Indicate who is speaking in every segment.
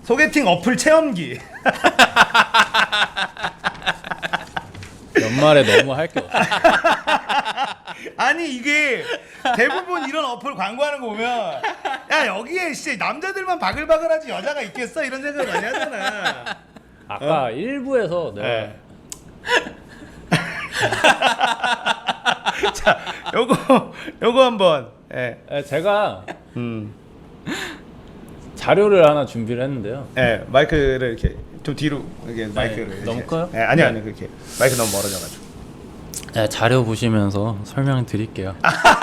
Speaker 1: 소개팅 어플 체험기.
Speaker 2: 연말에 너무 할 게 없어.
Speaker 1: 아니 이게 대부분 이런 어플 광고하는 거 보면 야 여기에 진짜 남자들만 바글바글하지 여자가 있겠어 이런 생각을 많이 하잖아.
Speaker 2: 아까 일부에서 내가
Speaker 1: 네. 자, 요거 한번. 예.
Speaker 2: 제가 자료를 하나 준비를 했는데요.
Speaker 1: 예, 마이크를 이렇게 좀 뒤로 이렇게 마이크를 이렇게.
Speaker 2: 너무 커요?
Speaker 1: 예, 아니요, 아니요. 그렇게. 마이크 너무 멀어져 가지고.
Speaker 2: 네, 자료 보시면서 설명드릴게요.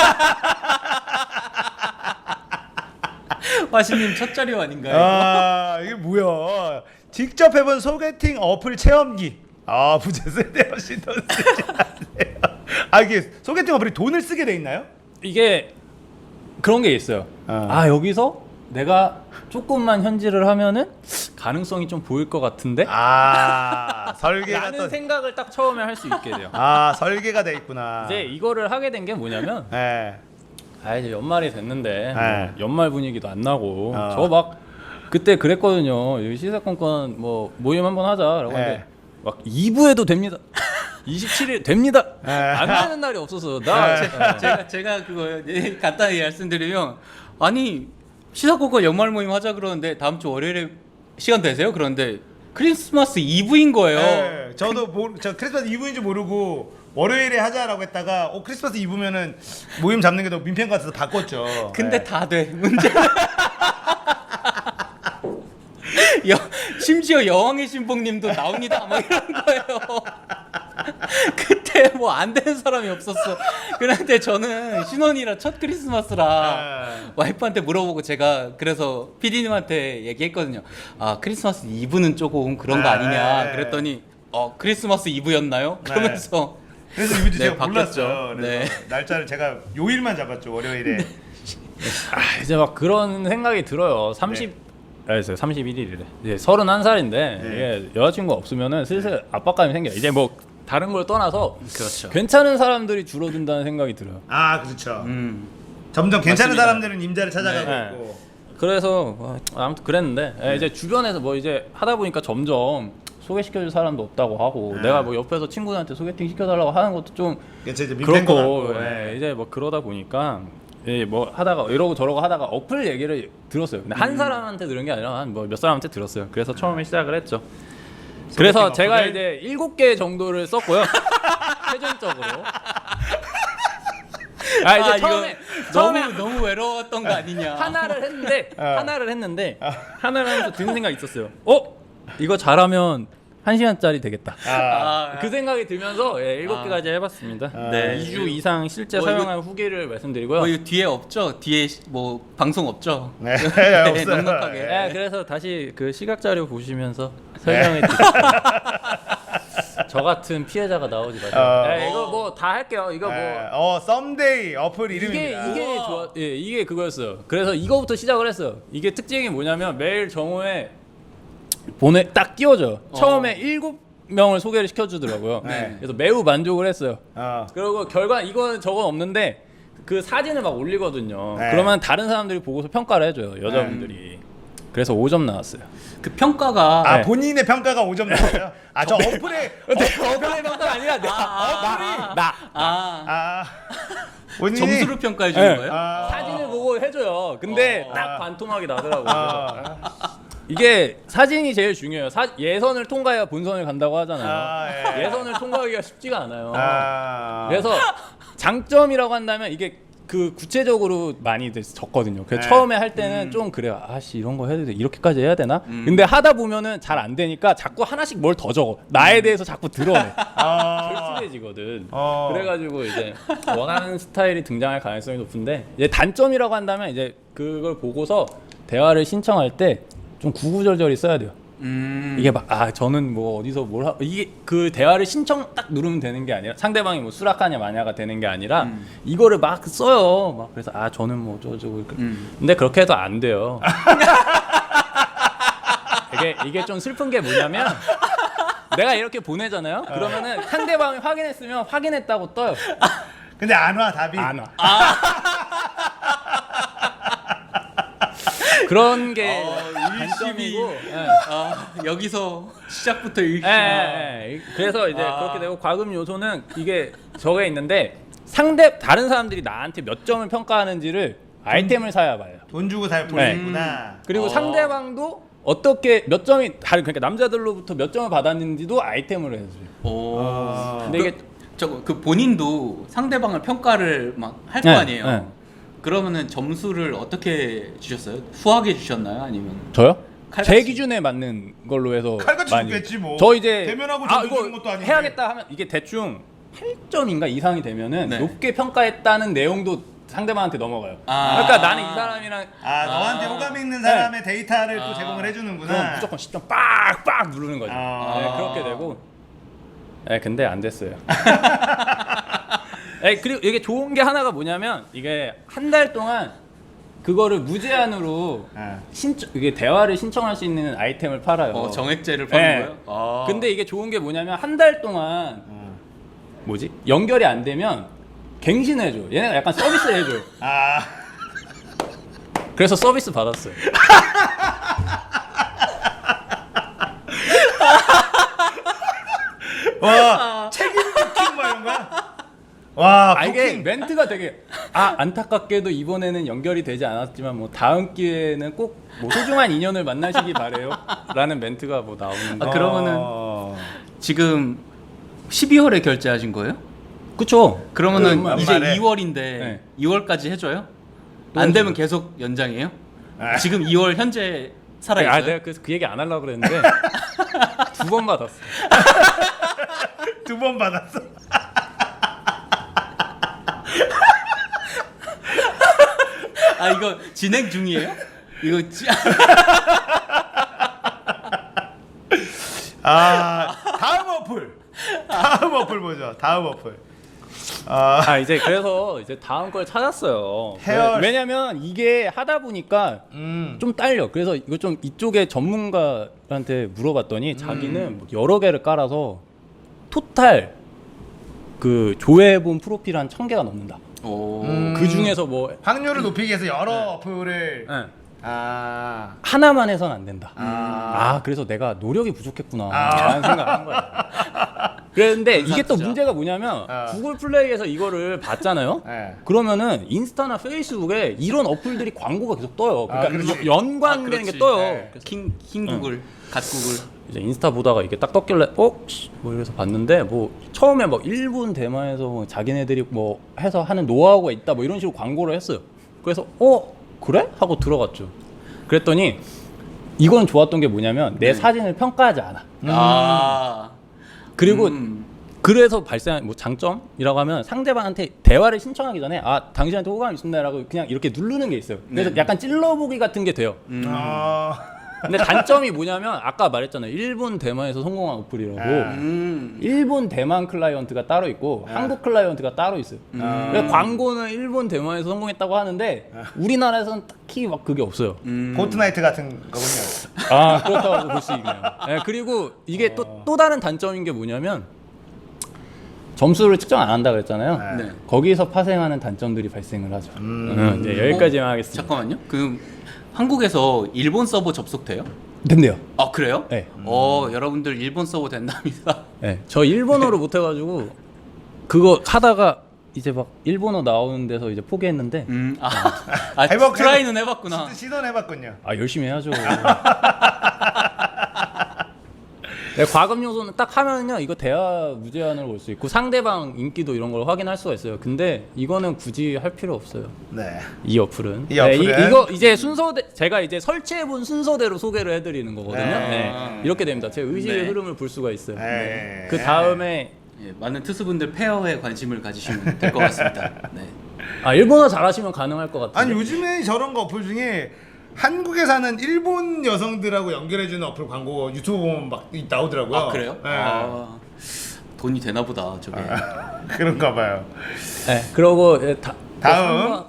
Speaker 3: 화신님 첫 자료 아닌가요?
Speaker 1: 아, 이게 뭐야? 직접 해본 소개팅 어플 체험기. 아, 부재 쓸데없이 돈 쓰지 마세요. 아, 이게 소개팅 어플이 돈을 쓰게 돼 있나요?
Speaker 2: 이게 그런 게 있어요. 여기서 내가 조금만 현질을 하면은 가능성이 좀 보일 것 같은데?
Speaker 1: 아, 설계가
Speaker 2: 라는
Speaker 1: 또.
Speaker 2: 생각을 딱 처음에 할 수 있게 돼요.
Speaker 1: 아, 설계가 돼 있구나.
Speaker 2: 이제 이거를 하게 된 게 뭐냐면
Speaker 1: 예.
Speaker 2: 이제 연말이 됐는데
Speaker 1: 네.
Speaker 2: 뭐 연말 분위기도 안 나고
Speaker 1: 어.
Speaker 2: 저 막 그때 그랬거든요. 여기 시사건건 뭐 모임 한번 하자라고
Speaker 1: 네.
Speaker 2: 하는데 막 2부에도 됩니다. 27일 됩니다.
Speaker 1: 네.
Speaker 2: 안 되는 날이 없어서
Speaker 3: 제가 그거 간단히 말씀드리면 아니 시사고가 연말 모임 하자 그러는데 다음 주 월요일에 시간 되세요? 그런데 크리스마스 이브인 거예요.
Speaker 1: 네, 저도 저 크리스마스 이브인 줄 모르고 월요일에 하자라고 했다가 크리스마스 이브면은 모임 잡는 게 더 민폐인 것 같아서 바꿨죠.
Speaker 3: 근데
Speaker 1: 네.
Speaker 3: 다 돼. 문제는 심지어 여왕의 신봉님도 나옵니다. 막 이런 거예요. 그때 뭐 안 되는 사람이 없었어. 그런데 저는 신혼이라 첫 크리스마스라 와이프한테 물어보고 제가 그래서 PD님한테 얘기했거든요. 아 크리스마스 이브는 조금 그런 거 아니냐. 그랬더니 크리스마스 이브였나요? 그러면서
Speaker 1: 그래서 이브 제가
Speaker 3: 바뀌었죠.
Speaker 1: 몰랐죠. 그래서 날짜를 제가 요일만 잡았죠. 월요일에.
Speaker 2: 이제 막 그런 생각이 들어요. 31일이래. 이제 31살인데 이게 여자친구가 없으면은 슬슬 압박감이 생겨요. 이제 뭐 다른 걸 떠나서
Speaker 3: 그렇죠.
Speaker 2: 괜찮은 사람들이 줄어든다는 생각이 들어요.
Speaker 1: 아, 그렇죠. 점점 괜찮은
Speaker 3: 맞습니다.
Speaker 1: 사람들은 임자를 찾아가고
Speaker 2: 네.
Speaker 1: 있고.
Speaker 2: 그래서 아무튼 그랬는데 이제 주변에서 뭐 이제 하다 보니까 점점 소개시켜줄 사람도 없다고 하고 내가 뭐 옆에서 친구들한테 소개팅 시켜달라고 하는 것도 좀
Speaker 1: 이제 민폐인 것
Speaker 2: 그렇고
Speaker 1: 같고. 네.
Speaker 2: 이제 뭐 그러다 보니까 뭐 하다가 이러고 저러고 하다가 어플 얘기를 들었어요. 근데 한 사람한테 들은 게 아니라 한 뭐 몇 사람한테 들었어요. 그래서 처음에 시작을 했죠. 그래서 제가
Speaker 1: 어플을?
Speaker 2: 이제 7개 정도를 썼고요. 최종적으로. 이제 처음에
Speaker 3: 너무 외로웠던 거 아니냐.
Speaker 2: 하나를 했는데 하나를 하면서 드는 생각이 있었어요. 이거 잘하면 1시간짜리 되겠다. 그 생각이 들면서 7개까지 해봤습니다.
Speaker 3: 네.
Speaker 2: 2주 이상 실제
Speaker 3: 뭐 이거-
Speaker 2: 사용한 후기를 말씀드리고요.
Speaker 3: 뭐 이거 뒤에 없죠? 뒤에 뭐 방송 없죠?
Speaker 1: 네, 없어요.
Speaker 3: 넉넉하게.
Speaker 2: 네, 그래서 다시 그 시각 자료 보시면서 설명해 드릴게요. 저 같은 피해자가 나오지 마세요. 이거 뭐 다 할게요. 이거 뭐
Speaker 1: 썸데이 어플 이름입니다.
Speaker 2: 이게 그거였어요. 그래서 이거부터 시작을 했어요. 이게 특징이 뭐냐면 매일 정오에 딱 띄워줘요. 처음에 7명을 소개를 시켜주더라고요.
Speaker 1: 네.
Speaker 2: 그래서 매우 만족을 했어요.
Speaker 1: 어.
Speaker 2: 그리고 이건 저건 없는데 그 사진을 막 올리거든요.
Speaker 1: 네.
Speaker 2: 그러면 다른 사람들이 보고서 평가를 해줘요. 여자분들이. 그래서 5점 나왔어요.
Speaker 3: 그 평가가
Speaker 1: 아,
Speaker 2: 네.
Speaker 1: 본인의 평가가 5점 나와요? 아, 저 어플에
Speaker 2: 어플의 평가가 아니라
Speaker 1: 본인이
Speaker 3: 점수로 평가해 주는
Speaker 2: 네.
Speaker 3: 거예요?
Speaker 2: 사진을 보고 해줘요. 근데 딱 반토막이 나더라고요.
Speaker 1: 아.
Speaker 2: 이게 사진이 제일 중요해요. 예선을 통과해야 본선을 간다고 하잖아요.
Speaker 1: 아, 예.
Speaker 2: 예선을 통과하기가 쉽지가 않아요.
Speaker 1: 아.
Speaker 2: 그래서 장점이라고 한다면 이게 그 구체적으로 많이 적거든요. 그래서
Speaker 1: 네.
Speaker 2: 처음에 할 때는 좀 그래요. 아씨 이런 거 해도 돼. 이렇게까지 해야 되나? 근데 하다 보면은 잘 안 되니까 자꾸 하나씩 뭘 더 적어. 나에 대해서 자꾸 드러내. 절실해지거든. 그래가지고 이제 원하는 스타일이 등장할 가능성이 높은데 이제 단점이라고 한다면 이제 그걸 보고서 대화를 신청할 때 좀 구구절절히 써야 돼요. 이게 막 저는 뭐 어디서 이게 그 대화를 신청 딱 누르면 되는 게 아니라 상대방이 뭐 수락하냐 마냐가 되는 게 아니라 이거를 막 써요. 막 그래서 저는 뭐 저거 근데 그렇게 해도 안 돼요. 이게 좀 슬픈 게 뭐냐면 내가 이렇게 보내잖아요. 그러면은 상대방이 확인했으면 확인했다고 떠요.
Speaker 1: 근데 안 와, 답이.
Speaker 2: 안 와. 그런 게
Speaker 3: 일심이.
Speaker 2: 단점이고. 예.
Speaker 3: 아 여기서 시작부터 일심.
Speaker 2: 그래서 이제
Speaker 3: 아.
Speaker 2: 그렇게 되고 과금 요소는 이게 저게 있는데 다른 사람들이 나한테 몇 점을 평가하는지를 아이템을 사야 봐요.
Speaker 1: 돈 주고 볼 수
Speaker 2: 네.
Speaker 1: 있구나.
Speaker 2: 그리고 상대방도 어떻게 몇 점이 다른 그러니까 남자들로부터 몇 점을 받았는지도 아이템으로 해줘요.
Speaker 3: 오.
Speaker 2: 근데 이게
Speaker 3: 그 본인도 상대방을 평가를 막 할 거
Speaker 2: 네,
Speaker 3: 아니에요.
Speaker 2: 네.
Speaker 3: 그러면은 점수를 어떻게 주셨어요? 후하게 주셨나요? 아니면
Speaker 2: 저요?
Speaker 3: 칼같이?
Speaker 2: 제 기준에 맞는 걸로 해서
Speaker 1: 칼같이
Speaker 2: 많이.
Speaker 1: 줬겠지 뭐.
Speaker 2: 저 이제
Speaker 1: 대면하고
Speaker 2: 아
Speaker 1: 점수
Speaker 2: 이거
Speaker 1: 주는 것도 아닌데.
Speaker 2: 해야겠다 하면 이게 대충 8점인가 이상이 되면은
Speaker 3: 네.
Speaker 2: 높게 평가했다는 내용도 상대방한테 넘어가요.
Speaker 3: 아.
Speaker 2: 그러니까 나는 이 사람이랑
Speaker 1: 너한테 호감 있는 사람의 데이터를 또 제공을 해주는구나.
Speaker 2: 그럼 무조건 10점 빡빡 누르는 거죠.
Speaker 1: 아.
Speaker 2: 네, 그렇게 되고. 근데 안 됐어요. 그리고 이게 좋은 게 하나가 뭐냐면 이게 한 달 동안 그거를 무제한으로 이게 대화를 신청할 수 있는 아이템을 팔아요.
Speaker 3: 정액제를 파는
Speaker 2: 네.
Speaker 3: 거예요? 아.
Speaker 2: 근데 이게 좋은 게 뭐냐면 한 달 동안 뭐지? 연결이 안 되면 갱신해줘. 얘네가 약간 서비스 해줘. 그래서 서비스 받았어요.
Speaker 1: 와 책임 부킹 뭐 이런 거야? 와
Speaker 2: 이게
Speaker 1: 부킹.
Speaker 2: 멘트가 되게 안타깝게도 이번에는 연결이 되지 않았지만 뭐 다음 기회에는 꼭 뭐 소중한 인연을 만나시기 바래요 라는 멘트가 뭐 나오는데
Speaker 3: 그러면은 지금 12월에 결제하신 거예요?
Speaker 2: 그쵸.
Speaker 3: 그러면은
Speaker 2: 그
Speaker 3: 이제
Speaker 1: 연말에.
Speaker 3: 2월인데
Speaker 2: 네.
Speaker 3: 2월까지 해줘요?
Speaker 2: 또
Speaker 3: 안
Speaker 2: 해줘요.
Speaker 3: 되면 계속 연장해요? 지금 2월 현재 살아있어요?
Speaker 2: 내가 그래서 그 얘기 안 하려고 그랬는데 2번 받았어.
Speaker 1: 2번 받았어.
Speaker 3: 이거 진행 중이에요? 이거
Speaker 1: 다음 어플 보죠. 다음 어플.
Speaker 2: 이제 그래서 이제 다음 걸 찾았어요.
Speaker 1: 헤어-
Speaker 2: 왜냐면 이게 하다 보니까 좀 딸려. 그래서 이거 좀 이쪽에 전문가한테 물어봤더니 자기는 뭐 여러 개를 깔아서 토탈 그 조회해본 프로필 한 1000개가 넘는다.
Speaker 3: 오.
Speaker 2: 그 중에서 뭐
Speaker 1: 확률을 높이기 위해서 여러 어플을
Speaker 2: 하나만 해선 안 된다.
Speaker 1: 아.
Speaker 2: 그래서 내가 노력이 부족했구나 라는 생각을 한 거야. 그런데 이게 또
Speaker 3: 진짜.
Speaker 2: 문제가 뭐냐면 구글 플레이에서 이거를 봤잖아요.
Speaker 1: 네.
Speaker 2: 그러면은 인스타나 페이스북에 이런 어플들이 광고가 계속 떠요. 그러니까
Speaker 1: 그렇지.
Speaker 2: 연관되는 게
Speaker 3: 그렇지.
Speaker 2: 떠요.
Speaker 1: 네.
Speaker 2: 그래서
Speaker 3: 킹 구글, 갓 구글.
Speaker 2: 이제 인스타 보다가 이게 딱 떴길래 뭐 이래서 봤는데 뭐 처음에 막 일본 대만에서 뭐 자기네들이 뭐 해서 하는 노하우가 있다 뭐 이런 식으로 광고를 했어요. 그래서 그래? 하고 들어갔죠. 그랬더니 이건 좋았던 게 뭐냐면 내 사진을 평가하지 않아. 그리고 그래서 발생한 뭐 장점이라고 하면 상대방한테 대화를 신청하기 전에 당신한테 호감이 있습니다라고 그냥 이렇게 누르는 게 있어요. 그래서
Speaker 3: 네.
Speaker 2: 약간 찔러보기 같은 게 돼요. 근데 단점이 뭐냐면 아까 말했잖아요. 일본 대만에서 성공한 어플이라고. 일본 대만 클라이언트가 따로 있고 한국 클라이언트가 따로 있어요. 그래서 광고는 일본 대만에서 성공했다고 하는데 우리나라에서는 딱히 막 그게 없어요.
Speaker 1: 포트나이트 같은 거군요.
Speaker 2: 그렇다고 볼 수 있네요. 그리고 이게 또 다른 단점인 게 뭐냐면 점수를 측정 안 한다 그랬잖아요.
Speaker 3: 네.
Speaker 2: 거기서 파생하는 단점들이 발생을 하죠. 이제 여기까지만 하겠습니다.
Speaker 3: 잠깐만요. 한국에서 일본 서버 접속돼요?
Speaker 2: 된대요.
Speaker 3: 그래요?
Speaker 2: 네.
Speaker 3: 여러분들 일본 서버 된답니다.
Speaker 2: 네. 저 일본어를 못 해가지고 그거 하다가 이제 막 일본어 나오는 데서 이제 포기했는데
Speaker 3: 트라이는 해봤구나.
Speaker 1: 시도해봤군요.
Speaker 2: 열심히 해야죠. 과금 요소는 딱 하면요 이거 대화 무제한으로 올 수 있고 상대방 인기도 이런 걸 확인할 수가 있어요. 근데 이거는 굳이 할 필요 없어요.
Speaker 1: 네.
Speaker 2: 이 어플은.
Speaker 1: 이 어플은?
Speaker 2: 이거 이제 제가 이제 설치해본 순서대로 소개를 해드리는 거거든요.
Speaker 1: 네.
Speaker 2: 이렇게 됩니다. 제 의지의
Speaker 3: 네.
Speaker 2: 흐름을 볼 수가 있어요.
Speaker 1: 네.
Speaker 2: 그 다음에
Speaker 3: 많은 투수분들 페어에 관심을 가지시면 될 것 같습니다. 네.
Speaker 2: 일본어 잘하시면 가능할 것 같아요.
Speaker 1: 아니 요즘에 저런 거 어플 중에 한국에 사는 일본 여성들하고 연결해주는 어플 광고 유튜브 보면 막 나오더라고요.
Speaker 3: 그래요?
Speaker 1: 네.
Speaker 3: 돈이 되나 보다 저게.
Speaker 1: 그런가 봐요.
Speaker 2: 네. 그러고
Speaker 1: 다음.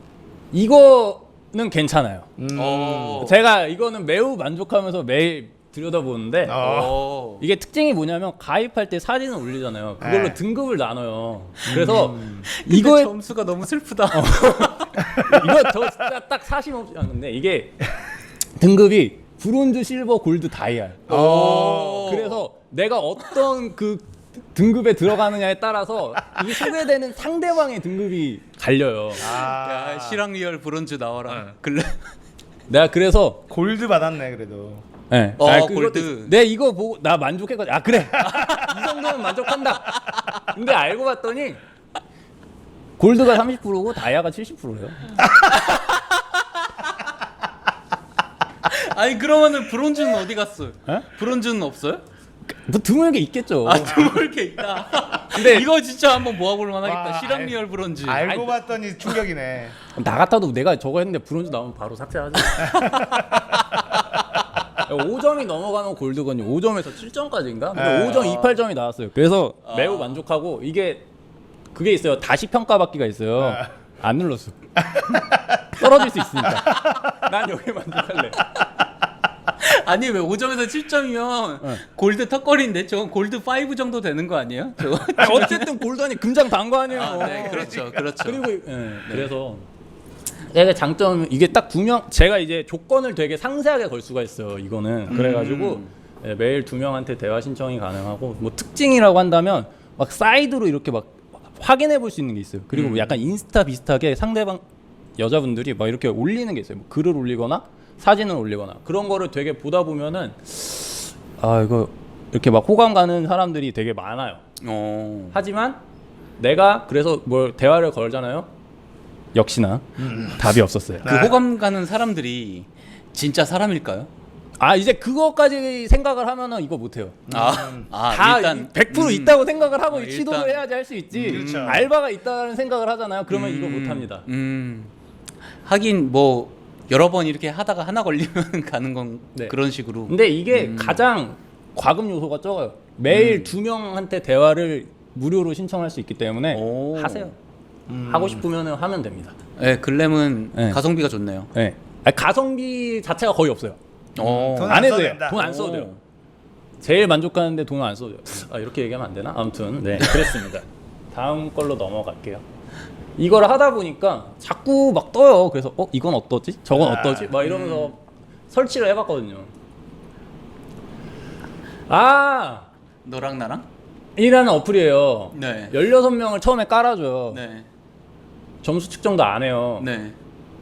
Speaker 2: 이거는 괜찮아요.
Speaker 3: 어.
Speaker 2: 제가 이거는 매우 만족하면서 매일 들여다보는데 이게 특징이 뭐냐면 가입할 때 사진을 올리잖아요. 그걸로
Speaker 1: 네.
Speaker 2: 등급을 나눠요. 그래서
Speaker 3: 이거의
Speaker 2: 이거에
Speaker 3: 점수가 너무 슬프다.
Speaker 2: 이거 저 진짜 딱 사심 없이 하는데 이게 등급이 브론즈, 실버, 골드, 다이아.
Speaker 3: 오.
Speaker 2: 그래서 내가 어떤 그 등급에 들어가느냐에 따라서 이게 소개되는 상대방의 등급이 갈려요.
Speaker 1: 아,
Speaker 3: 야, 실황 리얼 브론즈 나와라. 글래.
Speaker 2: 내가 그래서
Speaker 1: 골드 받았네 그래도.
Speaker 2: 네.
Speaker 3: 골드.
Speaker 2: 내 이거 보고 나 만족했거든. 아 그래. 이 정도면 만족한다. 근데 알고 봤더니 골드가 30%고 다이아가 70%예요.
Speaker 3: 아니 그러면은 브론즈는 어디 갔어?
Speaker 2: 에?
Speaker 3: 브론즈는 없어요?
Speaker 2: 뭐 드물게 있겠죠.
Speaker 3: 아 드물게 있다. 근데 이거 진짜 한번 모아볼 만하겠다.
Speaker 1: 와,
Speaker 3: 실황 리얼 브론즈.
Speaker 1: 알고 봤더니 충격이네.
Speaker 2: 나 같아도 내가 저거 했는데 브론즈 나오면 바로 삭제하지. 5점이 넘어가면 골드거든요. 5점에서 7점까지인가? 근데 5점 28점이 나왔어요. 그래서 매우 만족하고 이게 그게 있어요. 다시 평가받기가 있어요. 안 눌렀어. 떨어질 수 있으니까. 난 여기 만족할래.
Speaker 3: 아니 왜 5점에서 7점이면 골드 턱걸이인데 저건 골드 5 정도 되는 거 아니에요? 저거?
Speaker 2: 아니, 어쨌든 골드니 금장 단 거 아니에요.
Speaker 3: 네, 그렇죠, 그렇죠.
Speaker 2: 그리고 그래서 되게 장점 이게 딱 두 명 제가 이제 조건을 되게 상세하게 걸 수가 있어요. 이거는 그래가지고 매일 2명한테 대화 신청이 가능하고 뭐 특징이라고 한다면 막 사이드로 이렇게 막 확인해 볼 수 있는 게 있어요. 그리고 뭐 약간 인스타 비슷하게 상대방 여자분들이 막 이렇게 올리는 게 있어요. 뭐 글을 올리거나 사진을 올리거나 그런 거를 되게 보다 보면은 아 이거 이렇게 막 호감 가는 사람들이 되게 많아요. 하지만 내가 그래서 뭘 대화를 걸잖아요. 역시나 답이 없었어요.
Speaker 3: 그 호감 가는 사람들이 진짜 사람일까요?
Speaker 2: 아 이제 그거까지 생각을 하면은 이거 못해요. 다
Speaker 3: 일단
Speaker 2: 100% 있다고 생각을 하고
Speaker 3: 일단-
Speaker 2: 시도를 해야지 할 수 있지.
Speaker 1: 그렇죠.
Speaker 2: 알바가 있다는 생각을 하잖아요. 그러면 이거 못합니다.
Speaker 3: 하긴 뭐 여러 번 이렇게 하다가 하나 걸리면 가는 건
Speaker 2: 네.
Speaker 3: 그런 식으로.
Speaker 2: 근데 이게 가장 과금 요소가 적어요. 매일 2명한테 대화를 무료로 신청할 수 있기 때문에
Speaker 3: 오.
Speaker 2: 하세요. 하고 싶으면 하면 됩니다.
Speaker 3: 네, 글램은
Speaker 2: 네.
Speaker 3: 가성비가 좋네요.
Speaker 2: 네. 아니, 가성비 자체가 거의 없어요.
Speaker 1: 돈
Speaker 2: 안 해도
Speaker 1: 써도
Speaker 2: 돼요.
Speaker 1: 된다.
Speaker 2: 돈 안 써도 돼요. 제일 만족하는데 돈을 안 써도 돼요. 아, 이렇게 얘기하면 안 되나? 아무튼 네 그랬습니다. 다음 걸로 넘어갈게요. 이걸 하다 보니까 자꾸 막 떠요. 그래서 이건 어떠지? 저건 어떠지? 막 이러면서 설치를 해봤거든요.
Speaker 3: 너랑 나랑?
Speaker 2: 이라는 어플이에요.
Speaker 3: 네.
Speaker 2: 16명을 처음에 깔아줘요.
Speaker 3: 네.
Speaker 2: 점수 측정도 안 해요.
Speaker 3: 네.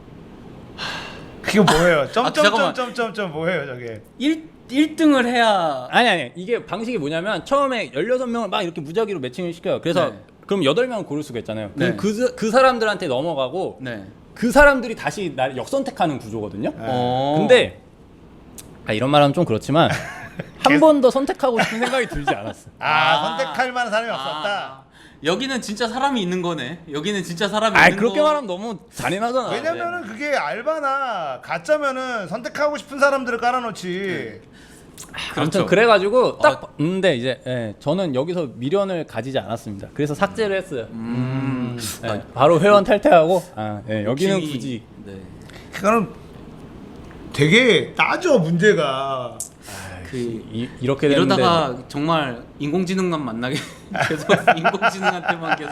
Speaker 1: 그게 뭐예요?
Speaker 3: 잠깐만.
Speaker 1: 점점점점점 뭐예요 저게?
Speaker 3: 1등을 해야
Speaker 2: 아니 이게 방식이 뭐냐면 처음에 16명을 막 이렇게 무작위로 매칭을 시켜요. 그래서
Speaker 3: 네.
Speaker 2: 그럼 8명을 고를 수가 있잖아요. 그럼
Speaker 3: 네.
Speaker 2: 그 사람들한테 넘어가고
Speaker 3: 네.
Speaker 2: 그 사람들이 다시 날 역선택하는 구조거든요.
Speaker 3: 어.
Speaker 2: 근데 이런 말하면 좀 그렇지만 한 번 더 선택하고 싶은 생각이 들지 않았어.
Speaker 1: 선택할 만한 사람이 없었다.
Speaker 3: 여기는 진짜 사람이 있는 거네. 여기는 진짜 사람이
Speaker 2: 아
Speaker 3: 있는
Speaker 2: 그렇게
Speaker 3: 거.
Speaker 2: 말하면 너무 잔인하잖아.
Speaker 1: 왜냐면은 그게 알바나 가짜면은 선택하고 싶은 사람들을 깔아놓지.
Speaker 2: 아무튼
Speaker 3: 그렇죠.
Speaker 2: 그래가지고 딱 봤는데 이제 저는 여기서 미련을 가지지 않았습니다. 그래서 삭제를 했어요. 바로 회원 탈퇴하고 여기는
Speaker 3: 욕심이-
Speaker 2: 굳이
Speaker 3: 네.
Speaker 1: 그거는 되게 따져 문제가.
Speaker 2: 이렇게 됐는데
Speaker 3: 이러다가 정말 인공지능만 만나게 계속 인공지능한테만 계속.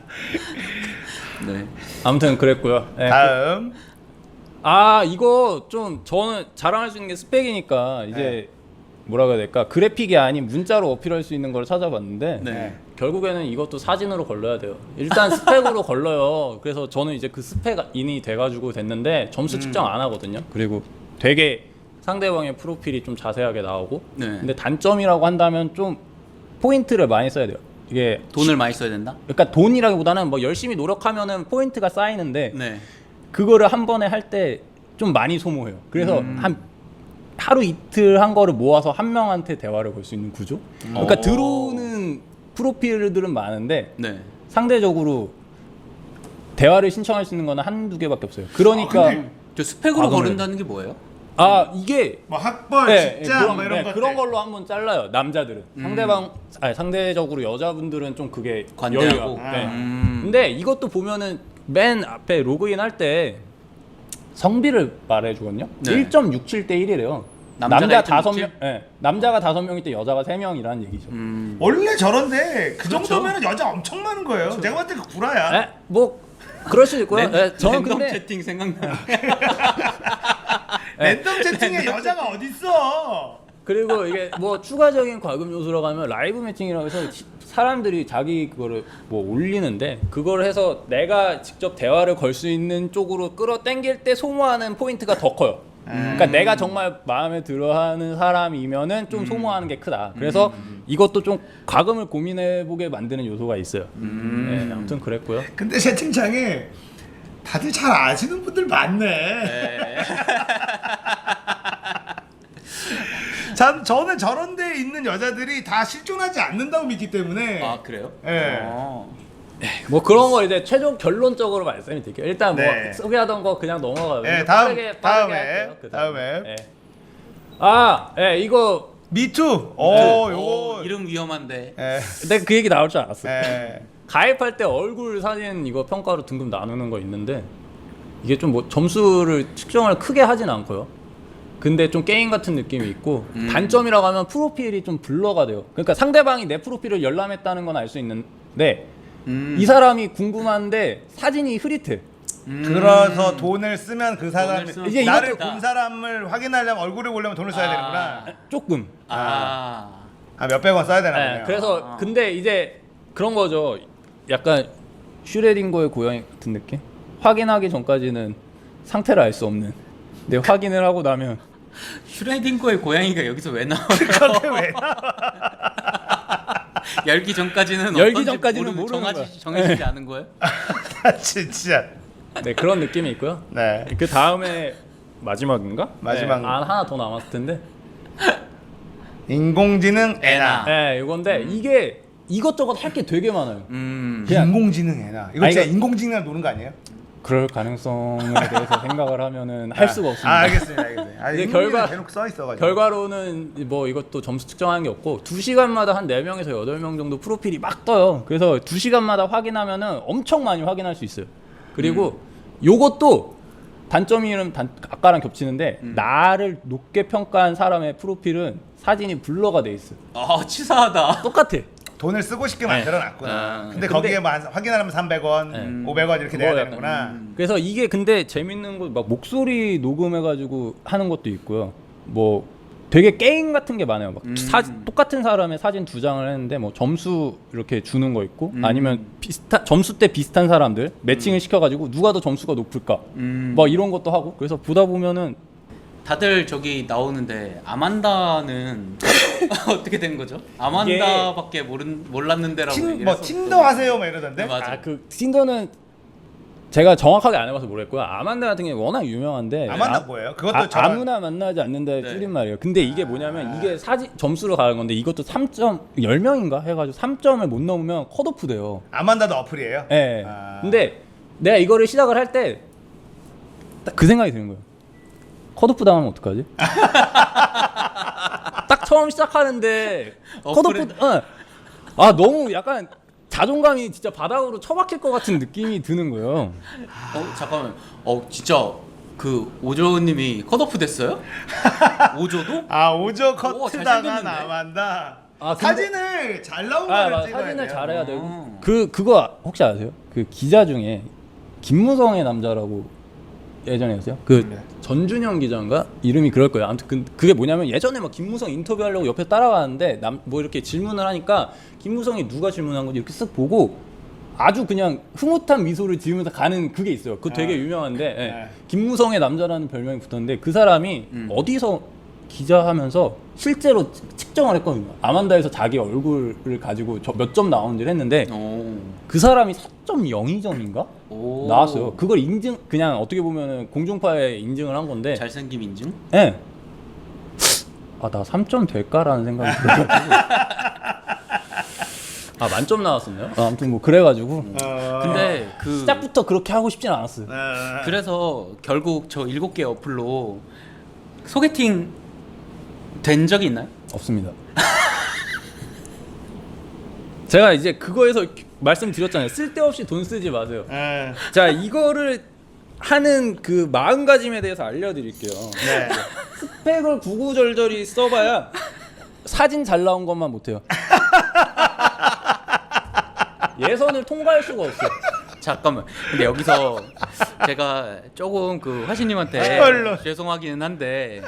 Speaker 3: 네.
Speaker 2: 아무튼 그랬고요. 네,
Speaker 1: 다음.
Speaker 2: 이거 좀 저는 자랑할 수 있는 게 스펙이니까 이제 뭐라고 해야 될까 그래픽이 아닌 문자로 어필할 수 있는 걸 찾아봤는데
Speaker 3: 네.
Speaker 2: 결국에는 이것도 사진으로 걸러야 돼요. 일단 스펙으로 걸러요. 그래서 저는 이제 그 스펙인이 돼가지고 됐는데 점수 측정 안 하거든요. 그리고 되게 상대방의 프로필이 좀 자세하게 나오고
Speaker 3: 네.
Speaker 2: 근데 단점이라고 한다면 좀 포인트를 많이 써야 돼요. 이게
Speaker 3: 돈을 많이 써야 된다.
Speaker 2: 그러니까 돈이라기보다는 뭐 열심히 노력하면은 포인트가 쌓이는데
Speaker 3: 네.
Speaker 2: 그거를 한 번에 할 때 좀 많이 소모해요. 그래서 한 하루 이틀 한 거를 모아서 한 명한테 대화를 걸 수 있는 구조. 그러니까 들어오는 프로필들은 많은데
Speaker 3: 네.
Speaker 2: 상대적으로 대화를 신청할 수 있는 거는 한두 개밖에 없어요. 그러니까
Speaker 3: 저 스펙으로
Speaker 2: 과금을
Speaker 3: 거른다는 게 뭐예요?
Speaker 2: 이게
Speaker 1: 뭐 학벌, 직장 뭐 이런 것.
Speaker 2: 그런 걸로 한번 잘라요. 남자들은 상대적으로 여자분들은 좀 그게
Speaker 3: 관대하고.
Speaker 2: 여유가. 근데 이것도 보면은 맨 앞에 로그인 할 때 성비를 말해주거든요.
Speaker 3: 네.
Speaker 2: 1.67대 1이래요.
Speaker 3: 남자가
Speaker 2: 남자
Speaker 3: 1.67?
Speaker 2: 5명, 남자가 5명일 때 여자가 3명이라는 얘기죠.
Speaker 1: 원래 저런데 그
Speaker 3: 그렇죠.
Speaker 1: 정도면은 여자 엄청 많은 거예요. 내가 봤을 때 그 구라야.
Speaker 2: 네, 뭐 그럴 수도 있고요. 저는
Speaker 3: 랜덤
Speaker 2: 근데
Speaker 3: 채팅 생각나.
Speaker 1: 랜덤 채팅에 여자가 어딨어?
Speaker 2: 그리고 이게 뭐 추가적인 과금 요소라고 하면 라이브 매칭이라고 해서 사람들이 자기 그거를 뭐 올리는데 그걸 해서 내가 직접 대화를 걸 수 있는 쪽으로 끌어당길 때 소모하는 포인트가 더 커요. 그러니까 내가 정말 마음에 들어하는 사람이면은 좀 소모하는 게 크다. 그래서 이것도 좀 과금을 고민해보게 만드는 요소가 있어요. 네, 아무튼 그랬고요.
Speaker 1: 근데 채팅창에 다들 잘 아시는 분들 많네. 참 저는 저런 데 있는 여자들이 다 실존하지 않는다고 믿기 때문에.
Speaker 3: 아 그래요?
Speaker 1: 예.
Speaker 2: 뭐 그런 거 이제 최종 결론적으로 말씀이 드릴게요. 일단 뭐
Speaker 1: 네.
Speaker 2: 소개하던 거 그냥 넘어가요.
Speaker 1: 네,
Speaker 2: 빠르게
Speaker 1: 다음에
Speaker 2: 할게요.
Speaker 1: 다음에.
Speaker 2: 네. 아, 예, 이거
Speaker 1: 미투. 요거.
Speaker 3: 이름 위험한데.
Speaker 1: 예.
Speaker 2: 내가 그 얘기 나올 줄 알았어.
Speaker 1: 예.
Speaker 2: 가입할 때 얼굴 사진 이거 평가로 등급 나누는 거 있는데 이게 좀 뭐 점수를 측정을 크게 하진 않고요. 근데 좀 게임 같은 느낌이 있고 단점이라고 하면 프로필이 좀 블러가 돼요. 그러니까 상대방이 내 프로필을 열람했다는 건 알 수 있는데 이 사람이 궁금한데 사진이 흐릿해.
Speaker 1: 그래서 돈을 쓰면 그 사람이
Speaker 3: 돈을 쓰면
Speaker 2: 이제
Speaker 1: 나를
Speaker 3: 이것도-
Speaker 1: 본 사람을 확인하려면 얼굴을 보려면 돈을 써야 되는구나.
Speaker 2: 조금.
Speaker 1: 몇백 원 써야 되나
Speaker 2: 네,
Speaker 1: 보네요.
Speaker 2: 그래서 근데 이제 그런 거죠. 약간 슈레딩거의 고양이 같은 느낌? 확인하기 전까지는 상태를 알 수 없는. 근데 확인을 하고 나면
Speaker 3: 슈레딩거의 고양이가 여기서 왜 나와요?
Speaker 1: 그게 왜
Speaker 3: 열기 전까지는
Speaker 2: 열기
Speaker 3: 어떤지
Speaker 2: 전까지는 모르는 거야.
Speaker 3: 정해지지 않은 거예요?
Speaker 1: 진짜.
Speaker 2: 네, 그런 느낌이 있고요.
Speaker 1: 네.
Speaker 2: 그 다음에 마지막인가?
Speaker 1: 마지막.
Speaker 2: 네, 하나 더 남았을 텐데.
Speaker 1: 인공지능 애나.
Speaker 2: 네, 이건데 이게 이것저것 할 게 되게 많아요. 그냥-
Speaker 1: 인공지능 애나. 이거
Speaker 2: 아니,
Speaker 1: 진짜
Speaker 2: 이거-
Speaker 1: 인공지능을 노는 거 아니에요?
Speaker 2: 그럴 가능성에 대해서 생각을 하면은 할 수가 없습니다.
Speaker 1: 알겠습니다.
Speaker 2: 이제
Speaker 1: 인공지능 대놓고 써 있어가지고.
Speaker 2: 결과로는 뭐 이것도 점수 측정하는 게 없고 2시간마다 한 4명에서 8명 정도 프로필이 막 떠요. 그래서 2시간마다 확인하면은 엄청 많이 확인할 수 있어요. 그리고 요것도 단점이는 아까랑 겹치는데 나를 높게 평가한 사람의 프로필은 사진이 블러가 돼 있어.
Speaker 3: 치사하다.
Speaker 2: 똑같아.
Speaker 1: 돈을 쓰고 싶게 만들어놨구나. 근데
Speaker 2: 근데-
Speaker 1: 거기에 확인하려면 300원, 500원 이렇게 내야
Speaker 2: 그거
Speaker 1: 되는구나.
Speaker 2: 그래서 이게 근데 재밌는 거 막 목소리 녹음해가지고 하는 것도 있고요. 뭐 되게 게임 같은 게 많아요. 막 똑같은 사람의 사진 2장을 했는데 뭐 점수 이렇게 주는 거 있고 아니면 점수대 비슷한 사람들 매칭을 시켜가지고 누가 더 점수가 높을까 막 이런 것도 하고 그래서 보다 보면은
Speaker 3: 다들 저기 나오는데 아만다는 어떻게 된 거죠? 아만다밖에 몰랐는데라고 얘기를
Speaker 1: 뭐
Speaker 3: 했었어.
Speaker 1: 틴더 하세요, 막 이러던데.
Speaker 3: 네, 맞아.
Speaker 2: 그 틴더는 제가 정확하게 안 해봐서 모르겠고요. 아만다 같은 게 워낙 유명한데
Speaker 1: 아만다 뭐예요? 그것도 저런-
Speaker 2: 아무나 만나지 않는다의
Speaker 3: 네.
Speaker 2: 줄임말이에요. 근데 이게 뭐냐면 이게 사진 점수로 가는 건데 이것도 3점 10명인가 해가지고 3점을 못 넘으면 컷오프 돼요.
Speaker 1: 아만다도 어플이에요?
Speaker 2: 예.
Speaker 1: 아.
Speaker 2: 근데 내가 이거를 시작을 할 때 그 생각이 드는 거예요. 컷오프 당하면 어떡하지? 딱 처음 시작하는데 컷오프 아 너무 약간 자존감이 진짜 바닥으로 처박힐 것 같은 느낌이 드는 거예요.
Speaker 3: 잠깐만. 진짜 그 오조님이 컷오프 됐어요? 오조도?
Speaker 1: 오조
Speaker 3: 오,
Speaker 1: 커트다가
Speaker 3: 잘생겼는데?
Speaker 1: 나만다.
Speaker 2: 아, 근데-
Speaker 1: 사진을 잘 나온 거를 찍어야
Speaker 2: 사진을
Speaker 1: 돼요.
Speaker 2: 잘해야 되고 그거 혹시 아세요? 그 기자 중에 김무성의 남자라고 예전에였어요. 그
Speaker 1: 네.
Speaker 2: 전준영 기자인가 이름이 그럴 거예요. 아무튼 그게 뭐냐면 예전에 막 김무성 인터뷰하려고 옆에 따라가는데 뭐 이렇게 질문을 하니까 김무성이 누가 질문한 건지 이렇게 쓱 보고 아주 그냥 흐뭇한 미소를 지으면서 가는 그게 있어요. 그거 되게 유명한데 예. 김무성의 남자라는 별명이 붙었는데 그 사람이 어디서 기자하면서 실제로 측정을 했거든요. 아만다에서 자기 얼굴을 가지고 몇 점 나오는지를 했는데 그 사람이 4.02점인가
Speaker 3: 오.
Speaker 2: 나왔어요. 그걸 인증 그냥 어떻게 보면은 공중파에 인증을 한 건데
Speaker 3: 잘생김 인증?
Speaker 2: 예. 아, 나 3점 될까라는 생각이 들어가지고. 아, 만점 나왔었네요. 아무튼 뭐 그래가지고
Speaker 3: 근데 그
Speaker 2: 시작부터 그렇게 하고 싶진 않았어요.
Speaker 3: 그래서 결국 저 7개 어플로 소개팅 된 적이 있나요?
Speaker 2: 없습니다. 제가 이제 그거에서 말씀드렸잖아요. 쓸데없이 돈 쓰지 마세요. 자, 이거를 하는 그 마음가짐에 대해서 알려드릴게요.
Speaker 1: 네.
Speaker 2: 스펙을 구구절절히 써봐야 사진 잘 나온 것만 못해요. 예선을 통과할 수가 없어요.
Speaker 3: 잠깐만. 근데 여기서 제가 조금 그 화신님한테
Speaker 1: 헐로.
Speaker 3: 죄송하기는 한데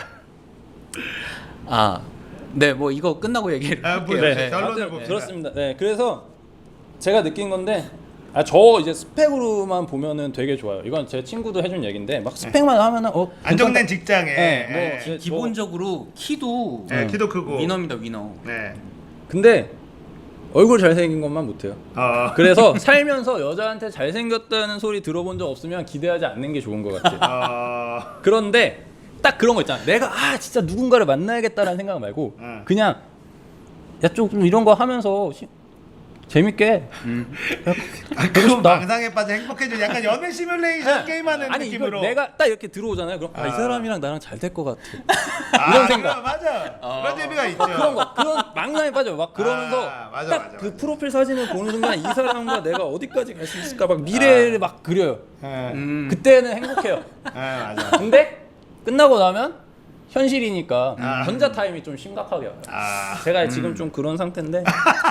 Speaker 3: 네, 뭐 이거 끝나고 얘기를 할게요.
Speaker 1: 네. 결론을
Speaker 2: 아무튼
Speaker 1: 봅시다.
Speaker 2: 그렇습니다. 네, 그래서 제가 느낀 건데 저 이제 스펙으로만 보면은 되게 좋아요. 이건 제 친구도 해준 얘기인데 막 스펙만 하면은
Speaker 1: 안정된 직장에
Speaker 2: 네, 뭐
Speaker 3: 기본적으로 키도
Speaker 1: 네, 키도 크고
Speaker 3: 위너입니다, 위너.
Speaker 1: 네.
Speaker 2: 근데 얼굴 잘생긴 것만 못해요. 그래서 살면서 여자한테 잘생겼다는 소리 들어본 적 없으면 기대하지 않는 게 좋은 것 같아요. 그런데 딱 그런 거 있잖아. 내가 진짜 누군가를 만나야겠다라는 생각 말고 그냥 야 좀 이런 거 하면서 재밌게
Speaker 1: 그건 망상에 빠져 행복해져 약간 연애 시뮬레이션 게임하는
Speaker 2: 아니
Speaker 1: 느낌으로.
Speaker 2: 이걸 내가 딱 이렇게 들어오잖아요. 그럼 이 사람이랑 나랑 잘 될 것 같아.
Speaker 1: 이런 생각. 맞아. 그런 재미가 있죠.
Speaker 2: 그런 망상에 빠져. 막 그러면서
Speaker 1: 맞아,
Speaker 2: 딱
Speaker 1: 맞아,
Speaker 2: 그
Speaker 1: 맞아.
Speaker 2: 프로필 사진을 보는 순간 이 사람과 내가 어디까지 갈 수 있을까 막 미래를 막 그려요. 그때는 행복해요.
Speaker 1: 맞아.
Speaker 2: 근데 끝나고 나면 현실이니까 전자 타임이 좀 심각하게 와요. 제가 지금 좀 그런 상태인데.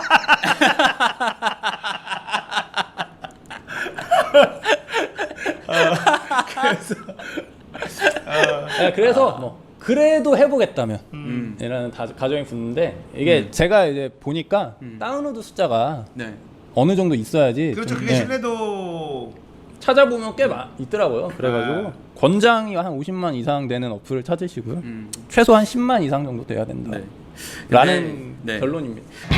Speaker 2: 그래서 뭐 그래도 해보겠다면 이라는 가정이 붙는데 이게 제가 이제 보니까 다운로드 숫자가
Speaker 3: 네.
Speaker 2: 어느 정도 있어야지
Speaker 1: 그렇죠.
Speaker 2: 좀,
Speaker 1: 그게
Speaker 2: 네,
Speaker 1: 신뢰도
Speaker 2: 찾아보면 꽤 있더라고요. 그래가지고 권장이 한 50만 이상 되는 어플을 찾으시고요. 최소한 10만 이상 정도 돼야 된다.
Speaker 3: 네.
Speaker 2: 라는
Speaker 3: 네.
Speaker 2: 결론입니다.